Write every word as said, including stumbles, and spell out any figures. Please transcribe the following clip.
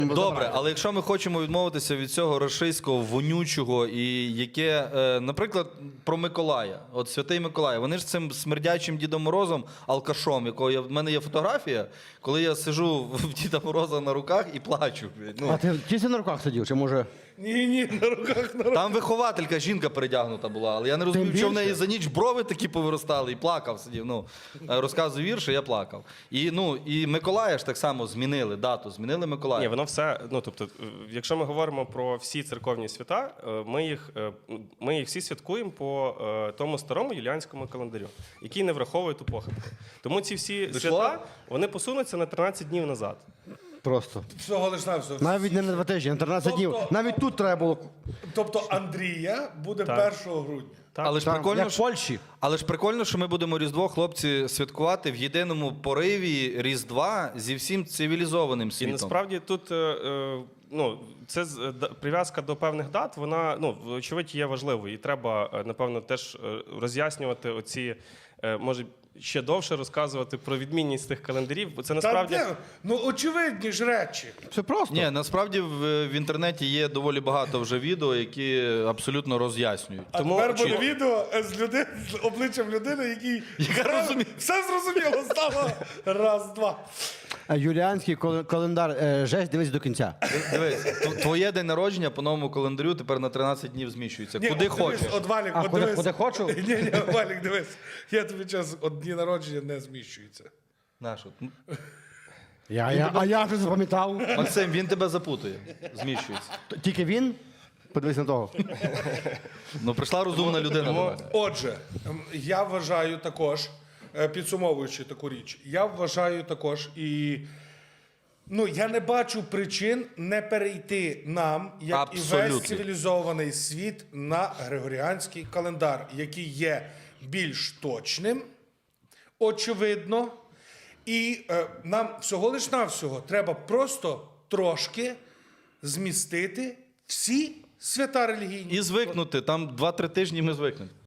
Добре, але якщо ми хочемо відмовитися від цього рашистського, вонючого і яке, е, наприклад, про Миколая, от Святий Миколай, вони ж цим смердячим Дідом Морозом, алкашом, якого я, в мене є фотографія, коли я сиджу в Діда Мороза на руках і плачу. Ну, А ти тільки на руках сидів, чи може? Ні, ні, на руках, на руках. там вихователька, жінка передягнута була, але я не розумів, що в неї більше. за ніч брови такі повиростали, і плакав сидів. Ну, е, розказую вірші, я плакав. І, ну, і Миколая ж так само змінили дату, змінили Миколая. Ні, воно все, ну тобто, е, якщо ми говоримо про всі церковні свята, е, ми їх, е, ми їх всі святкуємо по е, тому старому юліанському календарю, який не враховує ту похибку. Тому ці всі Вийшло? свята, вони посунуться на тринадцять днів назад. Просто. Всього лиш на все. Навіть не на два тижні, на тринадцять днів. Навіть тут треба було. Тобто Андрія буде Так. першого грудня. Так. Але ж Так, прикольно, як в що- Польщі. Але ж прикольно, що ми будемо Різдво, хлопці, святкувати в єдиному пориві Різдва зі всім цивілізованим І світом. насправді тут е, е, ну, це з- е, да- прив'язка до певних дат, вона, ну, очевидь, є важливою. І треба, е, напевно, теж е, роз'яснювати оці, е, може, ще довше розказувати про відмінність тих календарів, бо це насправді... Та де? Ну, очевидні ж речі. Все просто. Ні, насправді в, в інтернеті є доволі багато вже відео, які абсолютно роз'яснюють. А Тому тепер буде чи- відео з, люди... з обличчям людини, який Яка все, розуміє. все зрозуміло стало. Раз, два. А Юліанський кал- календар, е, жесть, дивись до кінця. Дивись, тв- твоє день народження по новому календарю тепер на тринадцять днів зміщується. Ні, Куди от дивись, хочеш. От Валік, А, от куди- дивись. куди хочу? Ні, ні, Валік, дивись. Я тобі час, от дні народження не зміщуються. Наш, от. Я, я, а я вже запам'ятав. Максим, він тебе запутує. Зміщується. Т- Тільки він? Подивись на того. Ну, прийшла розумна людина до мене. Отже, ем, я вважаю також, е, підсумовуючи таку річ, я вважаю також і. Ну, я не бачу причин не перейти нам, як і Абсолютно. весь цивілізований світ, на григоріанський календар, який є більш точним, очевидно, і е, нам всього лиш навсього треба просто трошки змістити всі свята релігійні. І звикнути, там два-три тижні ми звикнемо.